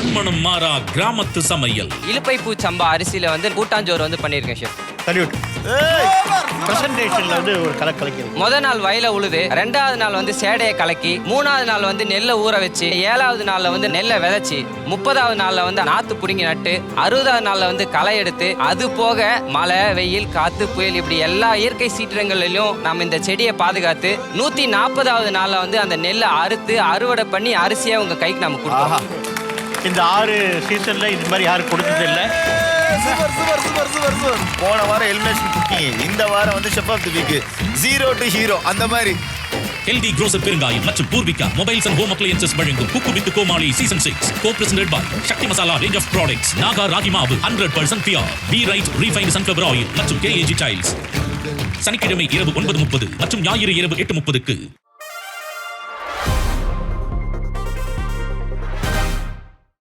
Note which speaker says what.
Speaker 1: மண்மணம் மாறா கிராமத்து சமையல்.
Speaker 2: இலுப்பை பூ சம்பா அரிசியில வந்து கூட்டாஞ்சோறு வந்து பண்ணியிருக்கேன் ஷெஃப்.
Speaker 3: சல்யூட். பிரசன்டேஷன்ல வந்து ஒரு கலக்கிறது.
Speaker 2: முதல் நாள் வயல உழுது, 2வது நாள் வந்து சேடையை கலக்கி, 3வது நாள் வந்து நெல்லை ஊற வச்சு, 7வது நாள்ல வந்து நெல்லை விதைச்சி, 30வது நாள்ல வந்து நாத்து புடுங்கி நட்டு, 60வது நாள்ல வந்து களை எடுத்து, அது போக மழை வெயில் காத்து புயல் இப்படி எல்லா இயற்கை சீற்றங்களிலும் நம்ம இந்த செடியை பாதுகாத்து 140வது நாள்ல வந்து அந்த நெல்லை அறுத்து அறுவடை பண்ணி அரிசியை உங்க கைக்கு நம்ம கொடுப்போம்.
Speaker 3: இந்த 6 சீசன்ல இது மாதிரி யாரும் கொடுத்தது இல்லை.
Speaker 4: போன வாரம் எலிமினேஷன் குக்கிங், இந்த வாரம் வந்து chef of the week, 0 to hero அந்த மாதிரி.
Speaker 1: ஹெல்தி க்ரோசர் பெருங்காயம் மற்றும் Poorvika mobiles and home appliances வழங்கும் cook with Comali season 6 co-presented by Sakthi Masala range of products, Naga ragi மாவு 100% pure, be right refined sunflower oil மற்றும் KAG டைல்ஸ். சனிக்கிழமை இரவு 9:30 மற்றும் ஞாயிறு இரவு 8:30க்கு.